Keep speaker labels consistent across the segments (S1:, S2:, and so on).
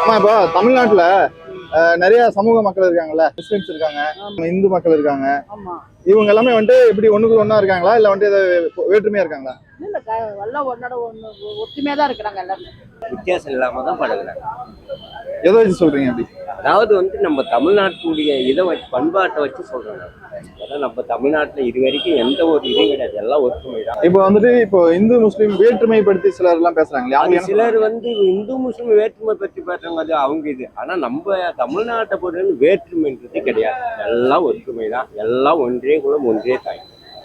S1: ஆமா, இப்போ தமிழ்நாட்டுல நிறைய சமூக மக்கள் இருக்காங்கல்ல, முஸ்லிம்ஸ் இருக்காங்க, இந்து மக்கள் இருக்காங்க.
S2: ஆமா.
S1: இவங்க எல்லாமே வந்துட்டு எப்படி ஒண்ணுக்குள்ள ஒண்ணா இருக்காங்களா, இல்ல வந்துட்டு வேற்றுமையா இருக்காங்களா?
S2: இல்ல எல்லாம் ஒன்னோட ஒண்ணு ஒற்றுமையா தான் இருக்கிறாங்க எல்லாருமே.
S3: வித்தியாசம் இல்லாம தான் பழகுறாங்க.
S1: எதை வச்சு சொல்றீங்க அப்படி?
S3: அதாவது நம்ம தமிழ்நாட்டுடைய இதை வச்சு பண்பாட்டை வச்சு சொல்றாங்க. ஏன்னா நம்ம தமிழ்நாட்டுல இது வரைக்கும் எந்த ஒரு இதுவும் கிடையாது, எல்லாம் ஒற்றுமை தான்.
S1: இப்போ வந்துட்டு இப்போ இந்து முஸ்லீம் வேற்றுமைப்படுத்தி சிலர் எல்லாம் பேசுறாங்களே, அவங்க
S3: சிலர் இந்து முஸ்லீம் வேற்றுமை பற்றி பேசுறாங்க, அது அவங்க இது. ஆனா நம்ம தமிழ்நாட்டை பொறுத்த வேற்றுமைன்றது கிடையாது, எல்லாம் ஒற்றுமை தான், எல்லாம் ஒன்றே குலம் ஒன்றே தாய்.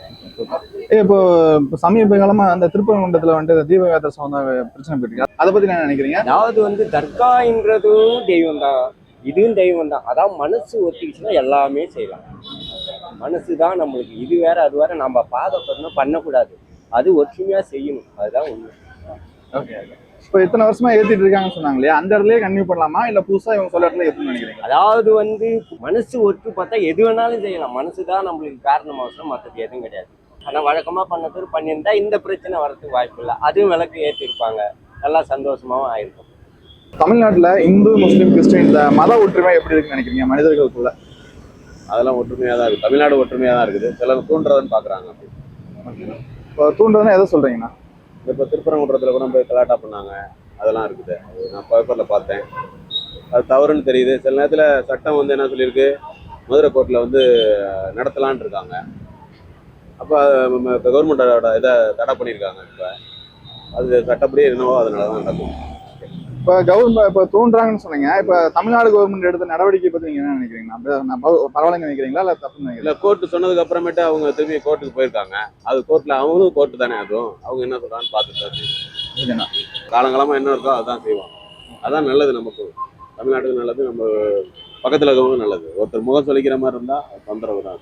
S1: இப்போ சமீப காலமா அந்த திருப்பரங்குன்றத்துல வந்துட்டு தீபகாத்திர சம்பந்த பிரச்சனை போயிட்டு அதை பத்தி என்ன நினைக்கிறீங்க?
S3: அதாவது தர்கான்றதும் தெய்வம் தான், இதுவும் தெய்வம் தான். அதாவது மனசு ஒத்திக்கிச்சுன்னா எல்லாமே செய்யலாம். மனசு தான் நம்மளுக்கு இது வேற அது வேற நம்ம பாதப்படணும் பண்ணக்கூடாது, அது ஒற்றுமையா செய்யணும், அதுதான் உண்மை.
S1: ஓகே. இப்போ இத்தனை வருஷமா ஏத்திட்டு இருக்காங்கன்னு சொன்னாங்களே, அந்த இடத்துலயே கன்டினியூ பண்ணலாமா இல்ல புதுசா இவங்க சொல்ல இடத்துல ஏத்துன்னு நினைக்கிறீங்க?
S3: அதாவது மனசு ஒற்று பார்த்தா எது வேணாலும் செய்யலாம், மனசு தான் நம்மளுக்கு காரணம் அவசரம், மற்றது எதுவும் கிடையாது. ஆனா வழக்கமா பண்ணது பண்ணியிருந்தா இந்த பிரச்சனை வரதுக்கு வாய்ப்பு இல்லை, அதுவும் விளக்கு ஏற்றிருப்பாங்க, நல்லா சந்தோஷமாவும் ஆயிருக்கும்.
S1: தமிழ்நாட்டுல இந்து முஸ்லீம் கிறிஸ்டின் இந்த மத ஒற்றுமை எப்படி இருக்குன்னு நினைக்கிறீங்க மனிதர்களுக்குள்ள?
S4: அதெல்லாம் ஒற்றுமையாக தான் இருக்குது, தமிழ்நாடு ஒற்றுமையாக தான் இருக்குது. சிலர் தூண்டுறதுன்னு பார்க்குறாங்க. அப்படி
S1: இப்போ தூண்டுறதுன்னா எதை சொல்றீங்கன்னா?
S4: இப்போ திருப்பரங்குன்றத்தில் கூட போய் கலாட்டா பண்ணாங்க, அதெல்லாம் இருக்குது. அது நான் பேப்பரில் பார்த்தேன், அது தவறுன்னு தெரியுது. சில நேரத்தில் சட்டம் என்ன சொல்லியிருக்கு, மதுரை கோர்ட்டில் நடத்தலான் இருக்காங்க. அப்போ கவர்மெண்டோட இதை தடை பண்ணியிருக்காங்க. இப்போ அது சட்டப்படி என்னவோ அதனால தான் நடக்கும்.
S1: இப்போ கவர்மெண்ட் இப்போ தூண்டுறாங்கன்னு சொன்னீங்க, இப்போ தமிழ்நாடு கவர்மெண்ட் எடுத்த நடவடிக்கை பற்றி நீங்கள் என்ன நினைக்கிறீங்கன்னா? பரவாயில்ல நினைக்கிறீங்களா இல்லை தப்பு நினைக்கிறீங்களா?
S4: இல்லை, கோர்ட்டு சொன்னதுக்கு அப்புறமேட்டு அவங்க திரும்பி கோர்ட்டுக்கு போயிருக்காங்க. அது கோர்ட்டில் அவங்களும் கோர்ட்டு தானே, அதுவும் அவங்க என்ன சொல்கிறான்னு பார்த்துட்டு தான் செய்வோம். காலங்காலமாக என்ன இருக்கோ அதுதான் செய்வோம். அதான் நல்லது, நமக்கு தமிழ்நாட்டுக்கு நல்லது, நம்ம பக்கத்தில் இருக்கவங்களும் நல்லது. ஒருத்தர் முகம் சொல்லிக்கிற மாதிரி இருந்தால் தொந்தரவு தான்.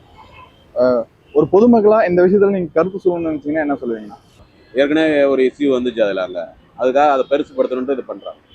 S1: ஒரு பொதுமக்களாக இந்த விஷயத்தில் நீங்கள் கருத்து சொல்லணும்னு நினச்சிங்கன்னா என்ன சொல்லுவீங்கன்னா?
S4: ஏற்கனவே ஒரு இஷ்யூ வந்துச்சு அதில், அதுக்காக அதை பெருசுப்படுத்தணுன்ட்டு இது பண்ணுறாங்க.